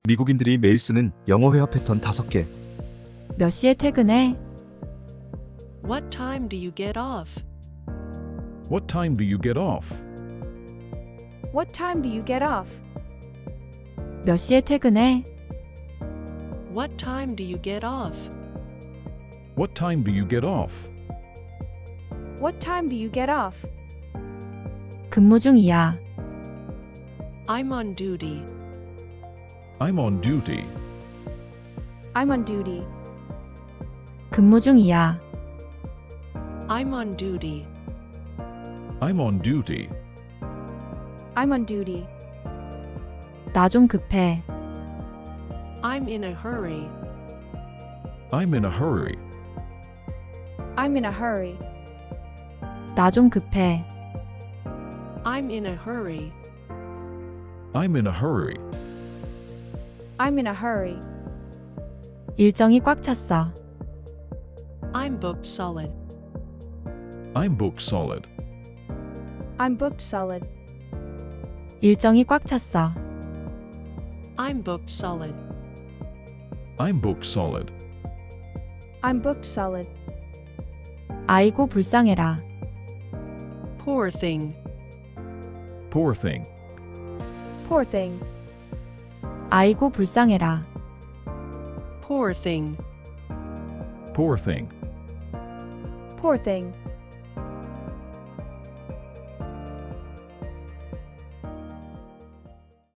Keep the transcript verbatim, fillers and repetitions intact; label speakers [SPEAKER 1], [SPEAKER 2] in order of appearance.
[SPEAKER 1] 미국인들이 매일 쓰는 영어 회화 패턴 다섯 개.
[SPEAKER 2] 몇 시에 퇴근해?
[SPEAKER 3] What time do you get off?
[SPEAKER 4] What time do you get off?
[SPEAKER 5] What time do you get off?
[SPEAKER 2] 몇 시에 퇴근해?
[SPEAKER 3] What time do you get off?
[SPEAKER 4] What time do you get off?
[SPEAKER 5] What time do you get off?
[SPEAKER 2] 근무 중이야.
[SPEAKER 3] I'm on duty.
[SPEAKER 4] I'm on duty.
[SPEAKER 5] I'm on duty.
[SPEAKER 2] 근무 중이야.
[SPEAKER 3] I'm on duty.
[SPEAKER 4] I'm on duty.
[SPEAKER 5] I'm on duty.
[SPEAKER 2] 나 좀 급해.
[SPEAKER 3] I'm in a hurry.
[SPEAKER 4] I'm in a hurry.
[SPEAKER 5] I'm in a hurry.
[SPEAKER 2] 나 좀 급해.
[SPEAKER 3] I'm in a hurry.
[SPEAKER 4] I'm in a hurry.
[SPEAKER 5] I'm in a hurry.
[SPEAKER 2] 일정이 꽉 찼어.
[SPEAKER 3] I'm booked solid.
[SPEAKER 4] I'm booked solid.
[SPEAKER 5] I'm booked solid.
[SPEAKER 2] 일정이 꽉 찼어.
[SPEAKER 3] I'm booked solid.
[SPEAKER 4] I'm booked solid.
[SPEAKER 5] I'm booked solid.
[SPEAKER 2] 아이고 불쌍해라.
[SPEAKER 3] Poor thing.
[SPEAKER 4] Poor thing.
[SPEAKER 5] Poor thing.
[SPEAKER 2] 아이고 불쌍해라.
[SPEAKER 3] Poor thing.
[SPEAKER 4] Poor thing.
[SPEAKER 5] Poor thing.